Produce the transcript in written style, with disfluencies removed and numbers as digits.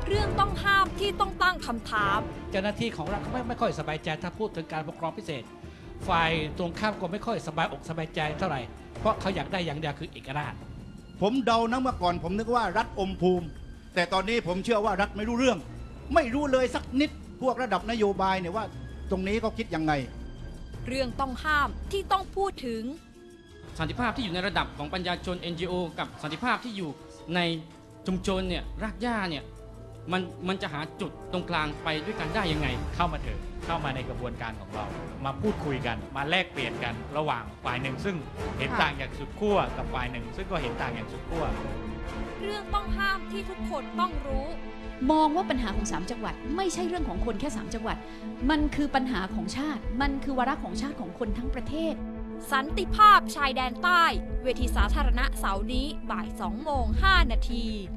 เรื่องต้องห้ามที่ต้องตั้งคำถามเจ้าหน้าที่ของรัฐไม่ค่อยสบายใจถ้าพูดถึงการปกครองพิเศษฝ่ายตรงข้ามก็ไม่ค่อยสบายอกสบายใจเท่าไหร่เพราะเขาอยากได้อย่างเดียวคือเอกราชผมเดานะเมื่อก่อนผมนึกว่ารัฐอมภูมิแต่ตอนนี้ผมเชื่อว่ารัฐไม่รู้เรื่องไม่รู้เลยสักนิดพวกระดับนโยบายเนี่ยว่าตรงนี้เขาคิดยังไงเรื่องต้องห้ามที่ต้องพูดถึงสันติภาพที่อยู่ในระดับของปัญญาชน NGO กับสันติภาพที่อยู่ในชุมชนเนี่ยรากหญ้าเนี่ยมันจะหาจุดตรงกลางไปด้วยกันได้ยังไงเข้ามาเถอะเข้ามาในกระบวนการของเรามาพูดคุยกันมาแลกเปลี่ยนกันระหว่างฝ่ายหนึ่งซึ่งเห็นต่างอย่างสุดขั้วกับฝ่ายหนึ่งซึ่งก็เห็นต่างอย่างสุดขั้วเรื่องต้องห้ามที่ทุกคนต้องรู้มองว่าปัญหาของ3จังหวัดไม่ใช่เรื่องของคนแค่3จังหวัดมันคือปัญหาของชาติมันคือวาระของชาติของคนทั้งประเทศสันติภาพชายแดนใต้เวทีสาธารณะเสาร์นี้บ่าย 2:05 นาที